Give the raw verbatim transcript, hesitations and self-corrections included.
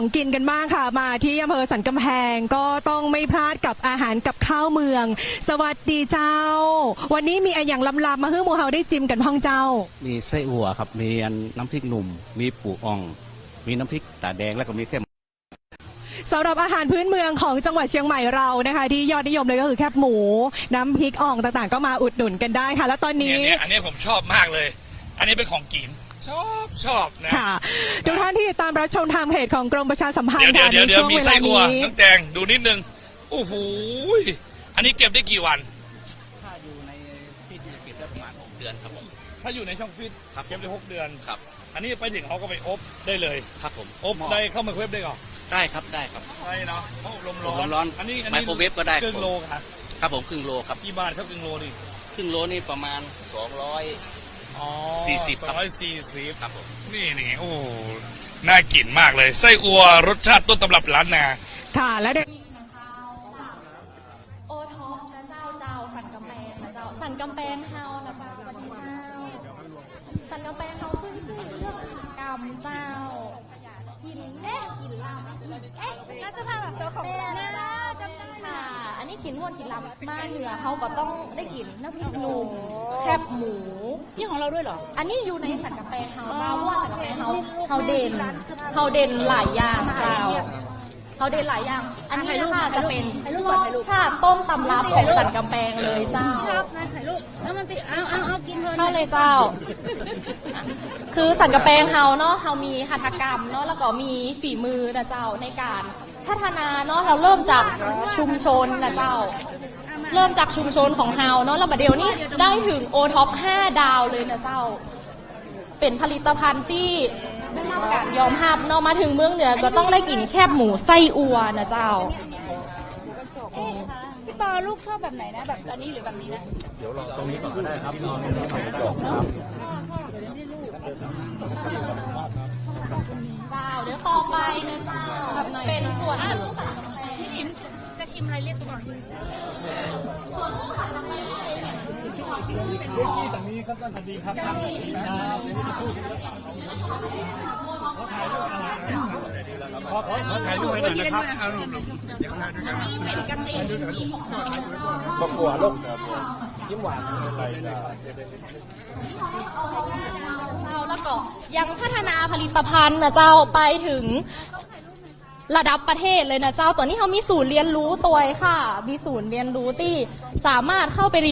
ของกินกันบ้างค่ะมาที่อำเภอสันกำแพงก็ต้องไม่พลาดกับอาหารกับข้าวเมืองสวัสดีเจ้าวันนี้มีอะไรอย่างลำๆมาให้หมูเฮาได้จิ้มกันพ้องเจ้ามีไส้อั่วครับมีน้ำพริกหนุ่มมีปูอ่องมีน้ำพริกตาแดงแล้วก็มีแค่สำหรับอาหารพื้นเมืองของจังหวัดเชียงใหม่เรานะคะที่ยอดนิยมเลยก็คือแคบหมูน้ำพริกอ่องต่างๆก็มาอุดหนุนกันได้ค่ะแล้วตอนนี้เนี่ยอันนี้ผมชอบมากเลยอันนี้เป็นของกินชอบชอบนะค่ะทุกท่านที่ติดตามรับชมทางเพจของกรมประชาสัมพันธ์ค่ะในช่วงเวลานี้น้องแจงดูนิดนึงโอ้โหอันนี้เก็บได้กี่วันถ้าอยู่ในฟิตเก็บได้ประมาณหกเดือนครับผมถ้าอยู่ในช่องฟิตเก็บได้หกเดือนครับอันนี้ไปถึงเขาก็ไปอบได้เลยครับผมอบได้เข้ามาเวฟได้ก่อนได้ครับได้ครับได้เนาะลมร้อนร้อนอันนี้ไมโครเวฟก็ได้ครึ่งโลครับครับผมครึ่งโลครับกี่บาทครับครึ่งโลนี่ครึ่งโลนี่ประมาณสองร้อยอ๋อสี่สิบสองร้อยสี่สิบครับผมนี่นี่โอ้น่ากินมากเลยไส้อั่วรสชาติต้นตำรับร้านนาค่ะแล้วเด็กโอท็อปนะเจ้าเจ้าสันกำแพงนะเจ้าสันกำแพงเฮานะเจ้าสวัสดีเจ้าสันกำแพงเฮาขึ้นชื่อเรื่องกรรมเจ้ากินเอ๊ะกินลำเอ๊ะน่าจะพาแบบเจ้าของนะเจ้าจำได้ค่ะอันนี้กินม่วนกินลำมาเหนือเขาก็ต้องได้กินน้ำพริกหนุ่มแคบหมูนี่ของเราด้วยเหรออันนี้อยู่ในสันกำแพงเฮาเจ้าว่าสันกำแพงเฮาเฮาเด่นเฮาเด่นหลายอย่างเจ้าเขาเด่นหลายอย่างอันนี้นะคะจะเป็นรสชาติต้มตำรับของสันกำแพงเลยเจ้าครับนะถ่ายรูปแล้วมันติเอาเอาเอากินเพลินเข้าเลยเจ้าคือสันกำแพงเฮาเนาะเฮามีหัตถกรรมเนาะแล้วก็มีฝีมือนะเจ้าในการพัฒนาเนาะเราเริ่มจากชุมชนนะเจ้าเริ่มจากชุมชนของเฮาเนาะแล้วมาเดี๋ยวนี้ได้ถึงโอท็อปห้าดาวเลยนะเจ้าเป็นผลิตภัณฑ์ที่ได้รับการยอมรับเนาะมาถึงเมืองเหนือก็ต้องได้กินแคบหมูไส้อัวนะเจ้าพี่ปอลูกชอบแบบไหนนะแบบอันนี้หรือแบบนี้นะเดี๋ยวลองตรงนี้ก่อนก็ได้ครับนอนในนี้ก่อนครับเจ้าเดี๋ยวต่อไปนะเจ้าเป็นส่วนหนึ่งพี่อิมจะชิมอะไรเรียกตัวก่อนเด็กที่ตรงนี้ครับท่านสวัสดีครับครับขอขอขอถ่ายรูปให้หน่อยนะครับอันนี้เป็นกระเตนที่หกหน่อยประกวดลูกยิ้มหวานอะไรเจ้าแล้วก็ยังพัฒนาผลิตภัณฑ์นะเจ้าไปถึงระดับประเทศเลยนะเจ้าตอนนี้เขามีศูนย์เรียนรู้ตัวค่ะมีศูนย์เรียนรู้ที่สามารถเข้าไป